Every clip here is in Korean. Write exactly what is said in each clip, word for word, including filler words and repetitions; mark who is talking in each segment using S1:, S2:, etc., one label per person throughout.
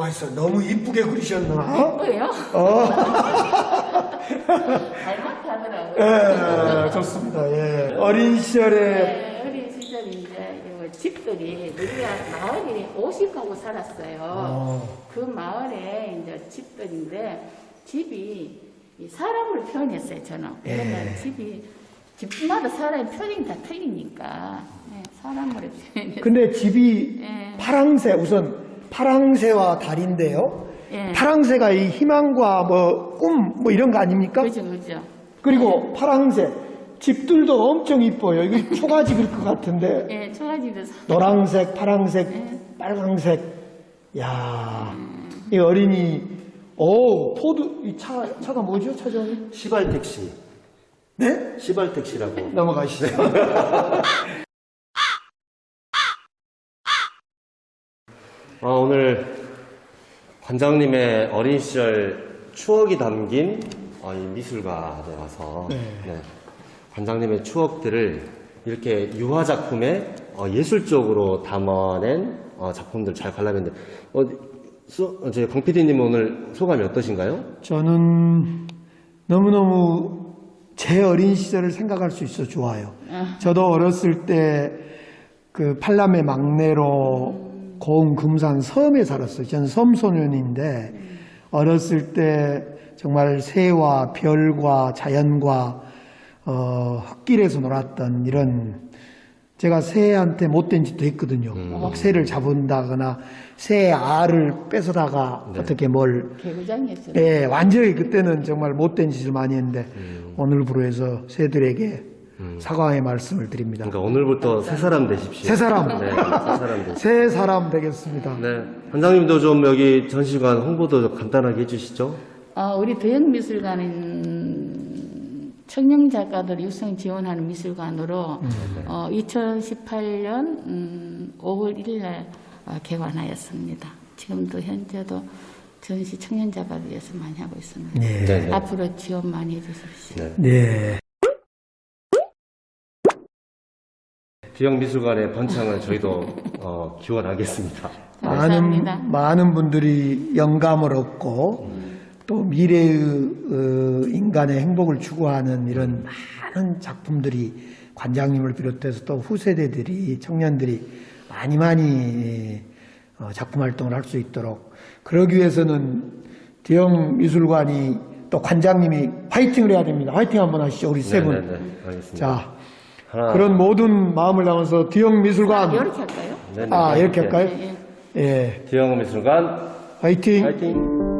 S1: 좋아했어. 너무 이쁘게 그리셨나?
S2: 예뻐요?
S1: 어.
S2: 닮았다 하더라고요.
S1: 예, 좋습니다. 예. 어린 시절에
S2: 네, 어린 시절에 이제 요 집들이 우리가 마을이 오십 가구 살았어요.
S1: 어.
S2: 그 마을에 이제 집들인데 집이 이 사람을 표현했어요. 저는. 그러면
S1: 예.
S2: 집이 집마다 사람의 표현이 다 틀리니까 네, 사람으로 표현했어요.
S1: 근데 집이
S2: 예.
S1: 파랑새, 우선 파랑새와 달인데요.
S2: 예.
S1: 파랑새가 이 희망과 뭐 꿈 뭐 이런 거 아닙니까?
S2: 그죠, 그죠.
S1: 그리고 파랑새 집들도 엄청 이뻐요. 이거 초가집일 것 같은데
S2: 예, 초가집도 사-
S1: 노란색, 파랑색,
S2: 예.
S1: 빨강색. 야, 이 어린이 오 포드 이 차 차가 뭐죠, 차장님?
S3: 시발택시.
S1: 네?
S3: 시발택시라고.
S1: 넘어가시죠.
S3: 아, 오늘 관장님의 어린 시절 추억이 담긴 어, 이 미술관에 와서
S1: 네.
S3: 네, 관장님의 추억들을 이렇게 유화 작품에 어, 예술적으로 담아낸 어, 작품들 잘 관람했는데 어, 수, 어, 저희 강 피디님 오늘 소감이 어떠신가요?
S1: 저는 너무너무 제 어린 시절을 생각할 수 있어 좋아요. 저도 어렸을 때 그 팔남의 막내로 고흥 금산 섬에 살았어요. 저는 섬소년인데 어렸을 때 정말 새와 별과 자연과 어, 흙길에서 놀았던 이런 제가 새한테 못된 짓도 했거든요. 막 새를 잡은다거나 새 알을 뺏어다가
S3: 네.
S1: 어떻게 뭘
S2: 개구장이었죠.
S1: 네, 완전히 그때는 정말 못된 짓을 많이 했는데 오늘부로 해서 새들에게 사과의 말씀을 드립니다.
S3: 그러니까 오늘부터 새 사람 되십시오.
S1: 새 사람.
S3: 네, 새 사람 되십시오.
S1: 새 사람 되겠습니다.
S3: 네, 관장님도 좀 여기 전시관 홍보도 좀 간단하게 해주시죠.
S2: 어, 우리 도형미술관은 청년 작가들 육성 지원하는 미술관으로 어, 이천십팔 년 음, 오월 일일 어, 개관하였습니다. 지금도 현재도 전시 청년 작가들 위해서 많이 하고 있습니다.
S1: 네.
S3: 네, 네.
S2: 앞으로 지원 많이 해주십시오.
S3: 네.
S1: 네.
S3: 비영미술관의 번창을 저희도 어, 기원하겠습니다.
S2: 감사합니다.
S1: 많은, 많은 분들이 영감을 얻고 또 미래의 어, 인간의 행복을 추구하는 이런 많은 작품들이 관장님을 비롯해서 또 후세대들이 청년들이 많이 많이 어, 작품 활동을 할 수 있도록 그러기 위해서는 대형 미술관이 또 관장님이 화이팅을 해야 됩니다. 화이팅 한번 하시죠, 우리 세 분.
S3: 네네네, 알겠습니다.
S1: 자,
S3: 하나,
S1: 그런 모든 마음을 담아서 대형 미술관.
S2: 이렇게 할까요?
S3: 네네,
S1: 아, 이렇게 할까요?
S2: 예,
S1: 예.
S3: 비영미술관
S1: 화이팅.
S3: 파이팅!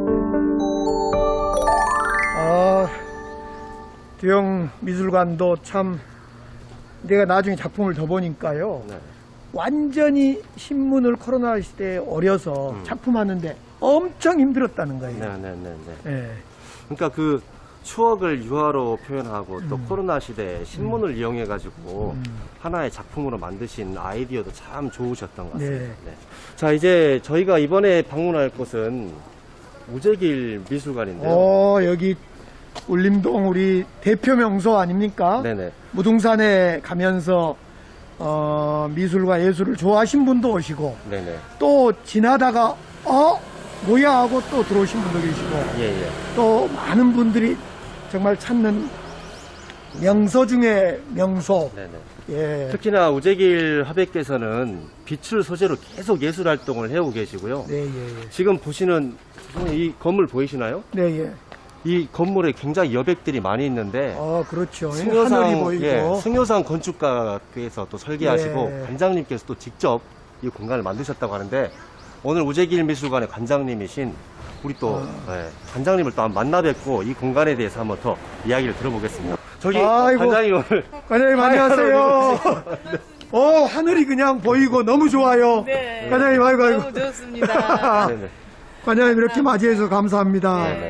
S1: 아, 대형 미술관도 참 내가 나중에 작품을 더 보니까요.
S3: 네.
S1: 완전히 신문을 코로나 시대에 어려서
S3: 음.
S1: 작품하는데 엄청 힘들었다는 거예요.
S3: 네네네네.
S1: 예.
S3: 그러니까 그 추억을 유화로 표현하고 또
S1: 음.
S3: 코로나 시대에 신문을 이용해가지고 하나의 작품으로 만드신 아이디어도 참 좋으셨던 것 같습니다.
S1: 네.
S3: 네. 자, 이제 저희가 이번에 방문할 곳은 우재길 미술관인데요.
S1: 어, 여기 울림동 우리 대표 명소 아닙니까?
S3: 네네.
S1: 무등산에 가면서 어, 미술과 예술을 좋아하신 분도 오시고
S3: 네네.
S1: 또 지나다가 어? 뭐야 하고 또 들어오신 분도 계시고
S3: 예, 예.
S1: 또 많은 분들이 정말 찾는 명소 중에 명소.
S3: 네네.
S1: 예.
S3: 특히나 우재길 화백께서는 빛을 소재로 계속 예술 활동을 해오고 계시고요.
S1: 네, 예, 예.
S3: 지금 보시는 이 건물 보이시나요?
S1: 네, 예.
S3: 이 건물에 굉장히 여백들이 많이 있는데
S1: 어, 그렇죠. 하늘이
S3: 승효상,
S1: 보이고.
S3: 예, 승효상 건축가께서 또 설계하시고
S1: 예.
S3: 관장님께서 또 직접 이 공간을 만드셨다고 하는데 오늘 우재길 미술관의 관장님이신 우리 또
S1: 아.
S3: 예, 관장님을 또 한번 만나 뵙고 이 공간에 대해서 한번 더 이야기를 들어보겠습니다. 저기
S1: 아이고.
S3: 관장님 오늘
S1: 과장님 안녕하세요. 어, 하늘이 그냥 보이고 너무 좋아요.
S4: 네.
S1: 과장님 아이고 아이고.
S4: 너무 좋습니다.
S3: 네네.
S1: 과장님 이렇게 맞이해서 감사합니다.
S3: 네.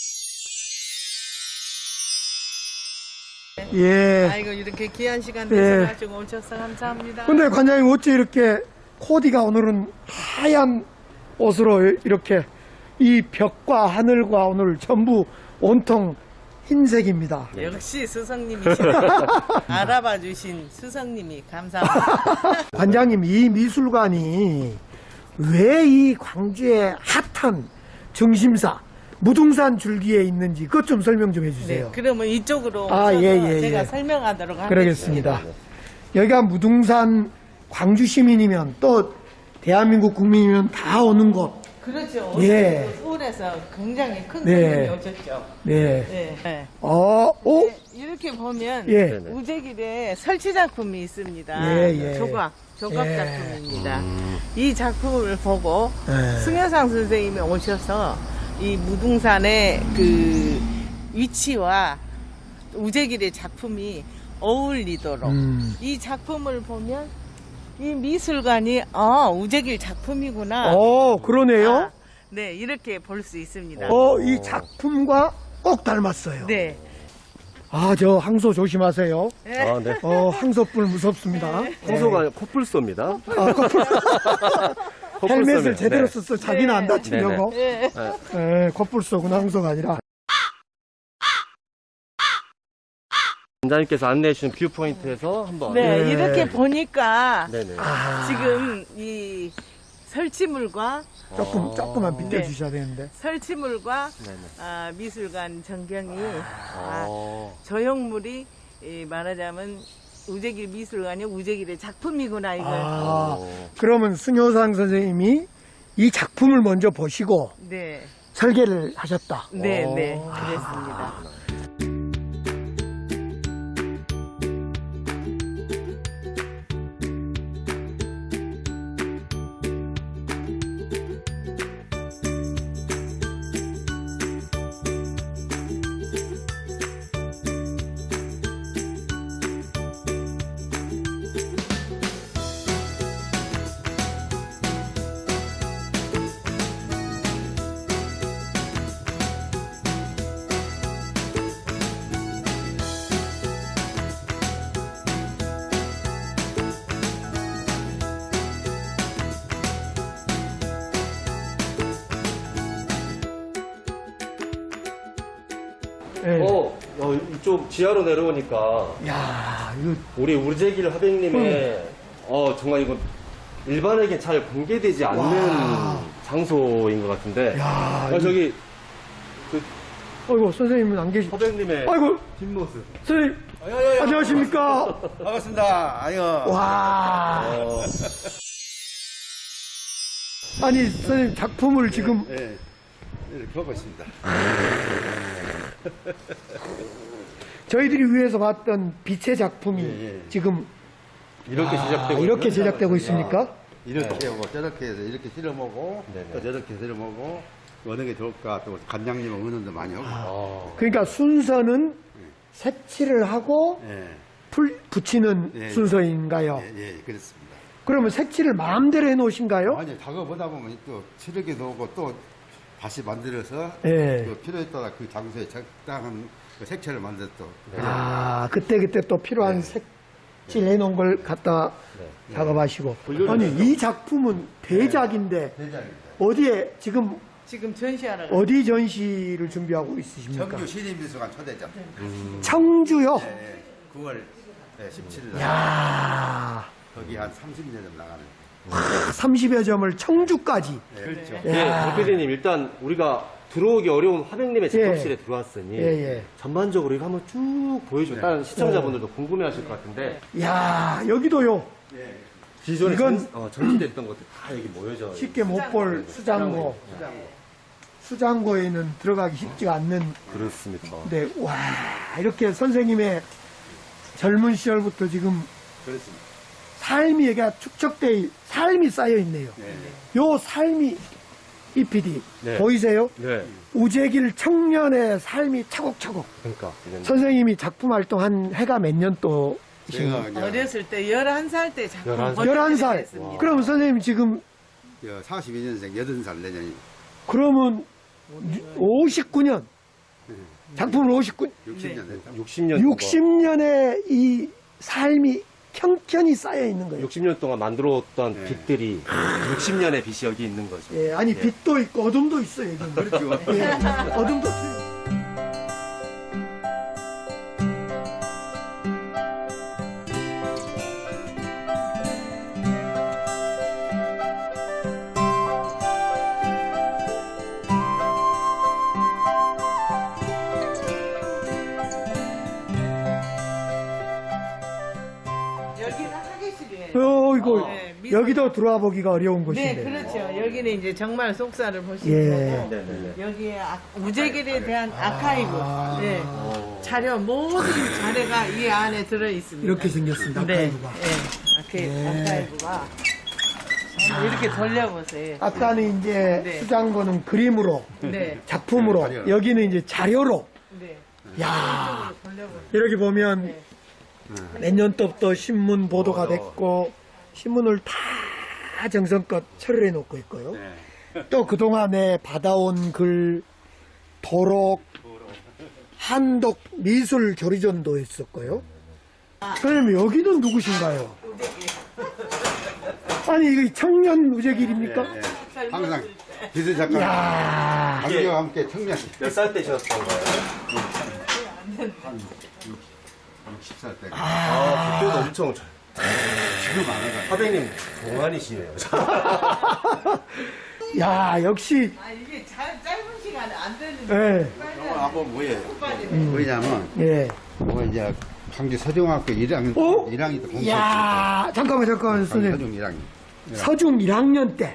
S1: 예.
S4: 아이고 이렇게 귀한 시간
S1: 네.
S4: 내서 가지고 오셔서 감사합니다.
S1: 근데 관장님 어째 이렇게 코디가 오늘은 하얀 옷으로 이렇게 이 벽과 하늘과 오늘 전부 온통 흰색입니다.
S4: 역시 스승님이시네. 알아봐 주신 스승님이 감사합니다.
S1: 관장님 이 미술관이 왜 이 광주의 핫한 중심사 무등산 줄기에 있는지 그것 좀 설명 좀 해주세요.
S4: 네, 그러면 이쪽으로
S1: 아,
S4: 오셔서
S1: 예, 예,
S4: 제가
S1: 예.
S4: 설명하도록 하겠습니다.
S1: 그러겠습니다. 여기가 무등산 광주 시민이면 또 대한민국 국민이면 다 오는 곳.
S4: 그렇죠.
S1: 예.
S4: 오늘 서울에서 굉장히 큰
S1: 네.
S4: 손님이 오셨죠.
S1: 네.
S4: 네. 네.
S1: 어, 오,
S4: 네, 이렇게 보면
S1: 예.
S3: 네네.
S4: 우재길에 설치 작품이 있습니다.
S1: 예, 예.
S4: 조각, 조각
S1: 예.
S4: 작품입니다. 이 작품을 보고
S1: 예.
S4: 승여상 선생님이 오셔서 이 무등산의 그 위치와 우재길의 작품이 어울리도록
S1: 음.
S4: 이 작품을 보면 이 미술관이 아 우재길 작품이구나.
S1: 어, 그러네요.
S4: 아, 네, 이렇게 볼 수 있습니다.
S1: 어, 이 작품과 꼭 닮았어요.
S4: 네.
S1: 아, 저 항소 조심하세요.
S3: 아, 네.
S1: 어, 항소불 무섭습니다.
S3: 홍소가 코뿔소입니다.
S1: 아, 코뿔- 헬멧을
S3: 코뿔소입니다.
S1: 제대로
S3: 네.
S1: 썼어. 자기는 안 다치려고.
S4: 네.
S1: 에, 코뿔소구나, 항소가 아니라.
S3: 원장님께서 안내해 주신 뷰 포인트에서 한번.
S4: 네,
S1: 네.
S4: 이렇게 보니까
S3: 네네.
S1: 아,
S4: 지금 이 설치물과
S1: 조금,
S3: 어.
S1: 조금만
S4: 네.
S1: 비춰주셔야 되는데.
S4: 설치물과
S3: 네네.
S4: 아, 미술관 전경이 아,
S3: 어.
S4: 조형물이 이 말하자면 우재길 미술관이 우재길의 작품이구나 이걸
S1: 아,
S3: 어.
S1: 그러면 승효상 선생님이 이 작품을 먼저 보시고
S4: 네,
S1: 설계를 하셨다.
S4: 네,
S3: 어.
S4: 네, 그랬습니다.
S1: 예.
S3: 어, 어, 이쪽 지하로 내려오니까
S1: 야, 이거
S3: 우리 우재길 화백님의 어 정말 이거 일반에게 잘 공개되지 않는
S1: 와.
S3: 장소인 것 같은데.
S1: 야,
S3: 어, 저기 그
S1: 아이고, 선생님은 안 계시.
S3: 화백님의
S1: 아이고,
S3: 뒷모습.
S1: 선생님, 안녕하십니까?
S5: 반갑습니다. 아유.
S1: 와,
S3: 어,
S1: 아니, 선생님 작품을 지금
S5: 예. 이렇게 보고 있습니다.
S1: 저희들이 위에서 봤던 빛의 작품이
S5: 예, 예.
S1: 지금
S3: 이렇게
S1: 아,
S3: 제작되고
S1: 이렇게
S3: 있는?
S1: 제작되고 있습니까?
S5: 이렇게 하고 저렇게 해서 이렇게 실어보고
S3: 네네.
S5: 또 저렇게 실어보고 어느 게 좋을까 또 관장님 응원도 많이 하고.
S3: 어,
S1: 그러니까 순서는 색칠을 하고
S5: 예.
S1: 풀 붙이는
S5: 예.
S1: 순서인가요?
S5: 예, 예, 그렇습니다.
S1: 그러면 색칠을 마음대로 해 놓으신가요?
S5: 아니 작업 보다 보면 또 칠하기도 하고 또 다시 만들어서
S1: 예.
S5: 그 필요에 따라 그 장소에 적당한 그 색채를 만들어 또.
S1: 아, 그때 그때 또 필요한 색칠 해 놓은 걸 갖다 작업하시고. 아니, 이 작품은 대작인데
S5: 대장입니다.
S1: 어디에 지금
S4: 지금 전시하러 가-
S1: 어디 전시를 준비하고 있으십니까?
S5: 청주 시립미술관 초대장.
S1: 청주요.
S5: 예, 예. 구월 십칠 일
S1: 야,
S5: 거기 한 삼십 년 좀 나가는.
S1: 삼십여 점을 청주까지.
S5: 그렇죠.
S3: 네, 박 피디님 일단 우리가 들어오기 어려운 화백님의 작업실에
S1: 예.
S3: 들어왔으니
S1: 예, 예.
S3: 전반적으로 이거 한번 쭉 보여줘.
S5: 네.
S3: 다른 시청자분들도 궁금해하실 것 같은데
S1: 야, 여기도요.
S3: 기존에
S1: 이건-
S3: 전, 어, 전시됐던 것들 다 여기 모여져.
S1: 쉽게 못 볼 수장고. 수장고에는 들어가기 쉽지가 않는.
S3: 그렇습니다.
S1: 근데 와, 이렇게 선생님의 젊은 시절부터 지금
S5: 그렇습니다.
S1: 삶이 얘가 축적돼 삶이 쌓여 있네요. 요 삶이 이 피디
S3: 네.
S1: 보이세요?
S3: 네.
S1: 우재길 청년의 삶이 차곡차곡.
S3: 그러니까 이건
S1: 선생님이 작품 활동한 해가 몇 년 또이신가요?
S5: 제가 이제
S4: 어렸을 때 열한 살 때 작품
S3: 열한 살.
S1: 열한 살.
S4: 했습니다.
S1: 그럼 선생님 지금
S5: 사십이 년생 여든 살 내년이
S1: 그러면 오십구 년 작품을 오십구
S5: 육십 년 됐다.
S3: 육십 년
S1: 육십 년의 이 삶이 평편이 쌓여 있는 거예요.
S3: 육십 년 동안 만들어왔던
S5: 네.
S3: 빛들이 육십 년의 빛이 여기 있는 거죠.
S1: 예, 아니 빛도 있고 어둠도 있어 여기.
S5: 그렇죠.
S1: 예, 어둠도 있어요. 이거
S4: 네, 미술-
S1: 여기도 들어와 보기가 어려운
S4: 네,
S1: 곳인데.
S4: 그렇죠. 여기는 이제 정말 속사를 볼 수
S1: 예.
S4: 있는 거고, 여기에 아- 우재길에 대한 아카이브, 네, 자료 모든 자료가 이 안에 들어 있습니다.
S1: 이렇게 생겼습니다.
S4: 네,
S1: 아카이브가.
S4: 네, 아카이- 아카이브가 한번 이렇게 돌려보세요.
S1: 아까는 이제
S4: 네.
S1: 수장고는 그림으로,
S4: 네,
S1: 작품으로,
S5: 자료.
S1: 여기는 이제 자료로.
S4: 네,
S1: 야
S4: 돌려보세요.
S1: 이렇게 보면 몇 년 때부터 신문 보도가 됐고 신문을 다 정성껏 처리해 놓고 있고요. 또 그동안에 받아온 글 도록 한독 미술 교리전도 있었고요. 선생님 여기는 누구신가요? 아니 이거 청년 우재길입니까?
S5: 항상 기술 작가
S1: 야
S5: 강조와 함께 청년
S3: 몇 살 때 지었던 거예요?
S5: 육십 살 때.
S3: 아, 그때도 엄청 잘.
S5: 지금 안 해가.
S3: 화백님 동안이시네요.
S1: 야 역시
S4: 아, 이게 자- 짧은 시간에 안 되는데.
S1: 예,
S4: 빨리
S5: 한번 뭐예요?
S4: 빠지네.
S5: 뭐냐면
S1: 예.
S5: 뭐 이제 광주 서중학교 일 학년
S1: 어?
S5: 일 학년 때 공부했어요.
S1: 야 잠깐만 잠깐만 선생님
S5: 서중 일 학년.
S1: 서중 일 학년 때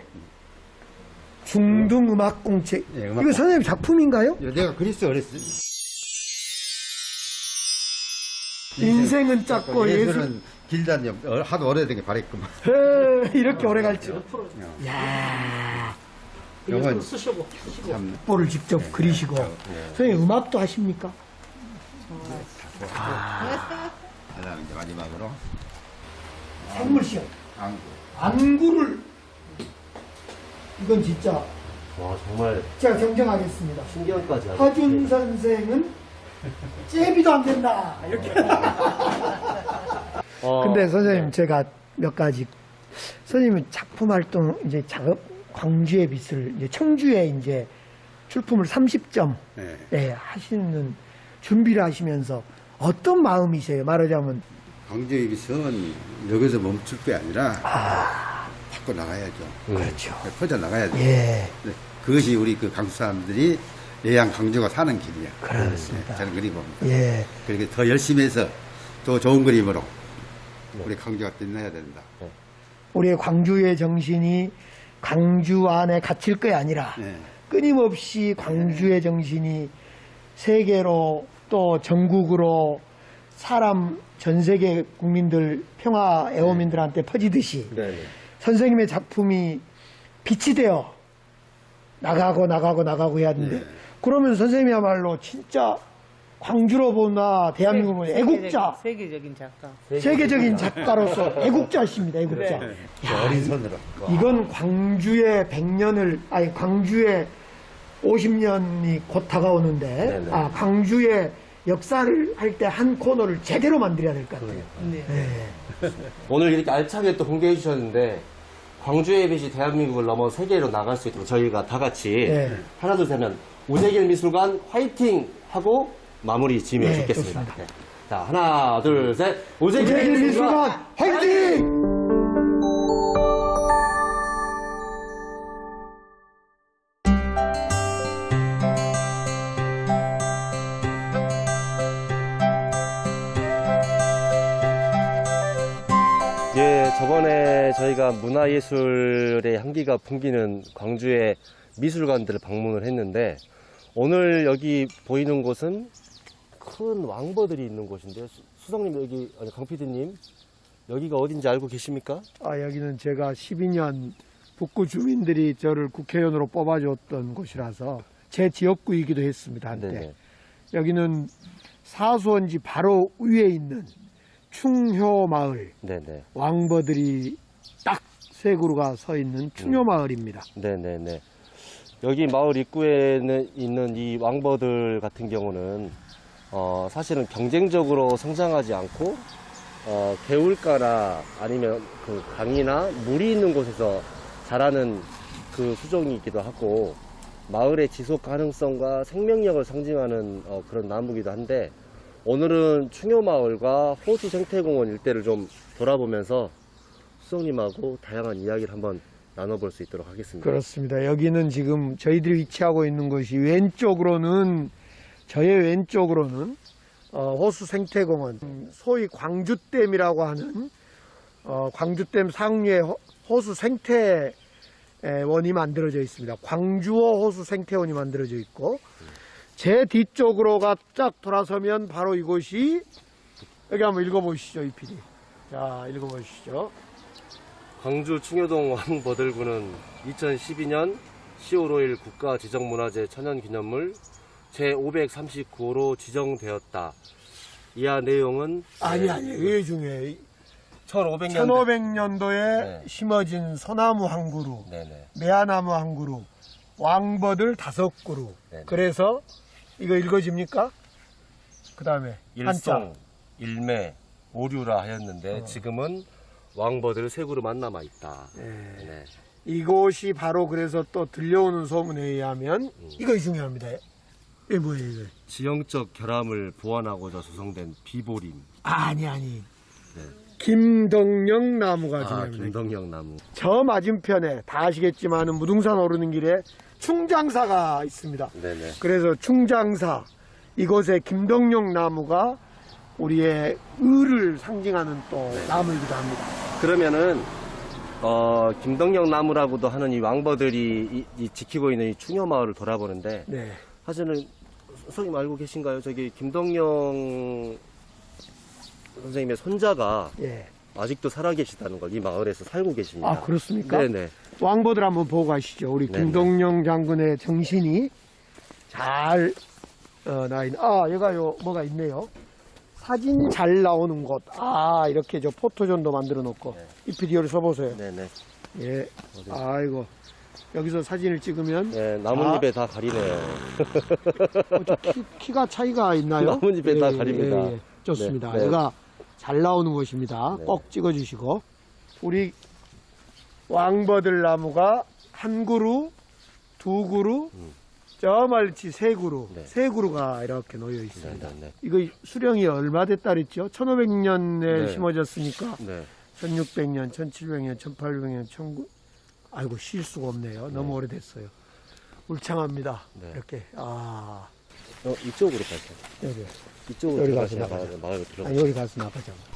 S1: 중등음악공책
S5: 예, 음악
S1: 이거
S5: 공-
S1: 선생님 작품인가요?
S5: 내가 그리스 어렸을
S1: 인생은 짧고 예술
S5: 예술은 길다니 어, 하도 오래된 게 바랬구만.
S1: 에, 이렇게 오래 갈지 야
S5: 이건 참
S1: 볼을 직접 그리시고 선생님 음악도 하십니까?
S5: 하다가 이제 마지막으로
S1: 생물 시험
S5: 안구.
S1: 안구를 이건 진짜
S3: 와, 정말
S1: 제가 정정하겠습니다.
S3: 신기한까지 하네.
S1: 허준 선생은 잽이도 안 된다 이렇게
S3: 어,
S1: 근데 선생님 제가 몇 가지 선생님은 작품 활동 이제 작업 광주의 빛을 이제 청주에 이제 출품을 삼십 점
S5: 네.
S1: 예, 하시는 준비를 하시면서 어떤 마음이세요? 말하자면
S5: 광주의 빛은 여기서 멈출 게 아니라 밖으로 나가야죠.
S1: 그렇죠.
S5: 퍼져 나가야죠.
S1: 예,
S5: 네, 그것이 우리 그 강주 사람들이 예양 강주가 사는 길이야.
S1: 그렇습니다.
S5: 네, 저는 그리 봅니다.
S1: 예.
S5: 그렇게 더 열심히 해서 더 좋은 그림으로 우리 강주가 빛나야 된다.
S1: 우리의 광주의 정신이 광주 안에 갇힐 게 아니라
S5: 네.
S1: 끊임없이 광주의 정신이 세계로 또 전국으로 사람 전 세계 국민들 평화 애호민들한테 퍼지듯이
S3: 네네.
S1: 선생님의 작품이 빛이 되어 나가고 나가고 나가고 해야 하는데 그러면 선생님이야말로 진짜 광주로 보나 대한민국 보나 애국자
S4: 세계적인 작가.
S1: 세계적인 작가로서 애국자십니다. 애국자.
S5: 어린 손으로.
S1: 이건 광주의 백 년을 아니 광주의 오십 년이 곧 다가오는데
S3: 네네.
S1: 아 광주의 역사를 할 때 한 코너를 제대로 만들어야 될 것 같아요.
S4: 네.
S1: 네.
S3: 오늘 이렇게 알차게 또 공개해 주셨는데 광주의 빛이 대한민국을 넘어 세계로 나갈 수 있도록 저희가 다 같이
S1: 네.
S3: 하나 둘 셋 하면 우재길 미술관 화이팅 하고 마무리 지으면
S1: 네,
S3: 좋겠습니다.
S1: 좋습니다.
S3: 네. 자 하나 둘 셋 우재길,
S1: 우재길
S3: 미술관
S1: 미술관 화이팅!
S3: 예, 저번에 저희가 문화예술의 향기가 풍기는 광주의 미술관들을 방문을 했는데 오늘 여기 보이는 곳은 큰 왕버들이 있는 곳인데요. 수- 수석님 여기 아니 강 피디님 여기가 어딘지 알고 계십니까?
S1: 아 여기는 제가 십이 년 북구 주민들이 저를 국회의원으로 뽑아줬던 곳이라서 제 지역구이기도 했습니다 한때.
S3: 네네.
S1: 여기는 사수원지 바로 위에 있는 충효마을
S3: 네네.
S1: 왕버들이 딱 세 그루가 서 있는 충효마을입니다.
S3: 네네네. 여기 마을 입구에는 있는 이 왕버들 같은 경우는 어, 사실은 경쟁적으로 성장하지 않고 어, 개울가나 아니면 그 강이나 물이 있는 곳에서 자라는 그 수종이기도 하고 마을의 지속 가능성과 생명력을 상징하는 어, 그런 나무기도 한데 오늘은 충효마을과 호수 생태공원 일대를 좀 돌아보면서 수석님하고 다양한 이야기를 한번 나눠볼 수 있도록 하겠습니다.
S1: 그렇습니다. 여기는 지금 저희들이 위치하고 있는 곳이 왼쪽으로는 저의 왼쪽으로는 어, 호수 생태공원 소위 광주댐이라고 하는 어, 광주댐 상류에 호- 호수 생태원이 만들어져 있습니다. 광주호 호수 생태원이 만들어져 있고, 제 뒤쪽으로가 쫙 돌아서면 바로 이곳이, 여기 한번 읽어보시죠, 이 피디. 자, 읽어보시죠.
S3: 광주 충효동 왕버들군은 이천십이 년 시월 오일 국가지정문화재 천연기념물 제오백삼십구 호로 지정되었다. 이하 내용은
S1: 아니, 아니, 이게 중요해.
S3: 천오백 년대
S1: 천오백 년도에
S3: 네.
S1: 심어진 소나무 한 그루,
S3: 네네.
S1: 매화나무 한 그루, 왕버들 다섯 그루.
S3: 네네.
S1: 그래서 이거 읽어집니까? 그 다음에
S3: 일송, 일매, 오류라 하였는데 지금은 왕버들 세 그루만 남아 있다. 네.
S1: 이곳이 바로 그래서 또 들려오는 소문에 의하면
S3: 음.
S1: 이거 중요합니다. 이게 뭐예요, 이거?
S3: 지형적 결함을 보완하고자 조성된 비보림.
S1: 아니, 아니.
S3: 네.
S1: 김덕령 나무가
S3: 아,
S1: 중요합니다.
S3: 김덕영 나무.
S1: 저 맞은편에 다 아시겠지만은 무등산 오르는 길에 충장사가 있습니다.
S3: 네네.
S1: 그래서 충장사 이곳에 김덕령 나무가 우리의 의를 상징하는 또 나무이기도 합니다.
S3: 그러면은 어, 김덕영 나무라고도 하는 이 왕버들이 이, 이 지키고 있는 이 충효마을을 돌아보는데
S1: 네.
S3: 사실은 선생님 알고 계신가요? 저기 김덕영 선생님의 손자가
S1: 예.
S3: 아직도 살아계시다는 걸 이 마을에서 살고 계십니다.
S1: 아, 그렇습니까?
S3: 네네.
S1: 왕보들 한번 보고 가시죠. 우리
S3: 네네.
S1: 김동영 장군의 정신이 잘 어, 나 있는. 아, 얘가 요 뭐가 있네요. 사진 잘 나오는 곳. 아, 이렇게 저 포토존도 만들어 놓고
S3: 네.
S1: 이 피디오를 써보세요.
S3: 네네.
S1: 예. 아이고 여기서 사진을 찍으면
S3: 네, 나뭇잎에 다 가리네요.
S1: 어, 저 키, 키가 차이가 있나요?
S3: 나뭇잎에 다 가립니다.
S1: 좋습니다.
S3: 네, 네.
S1: 얘가 잘 나오는 곳입니다.
S3: 네.
S1: 꼭 찍어주시고 우리 왕버들 나무가 한 그루, 두 그루,
S3: 음.
S1: 저 멀치 세 그루,
S3: 네.
S1: 세 그루가 이렇게 놓여 있습니다.
S3: 네, 네, 네.
S1: 이거 수령이 얼마 됐다 그랬죠? 천오백 년에
S3: 네.
S1: 심어졌으니까
S3: 네.
S1: 천육백 년, 천칠백 년, 천팔백 년, 천구 아이고 쉴 수가 없네요. 너무 오래됐어요. 울창합니다.
S3: 네.
S1: 이렇게 아
S3: 어, 이쪽으로 갈까요?
S1: 여기
S3: 이쪽으로
S1: 여기
S3: 들어가시나
S1: 가시나
S3: 마을, 마을 들어가.
S1: 아, 여기 가서 나가자.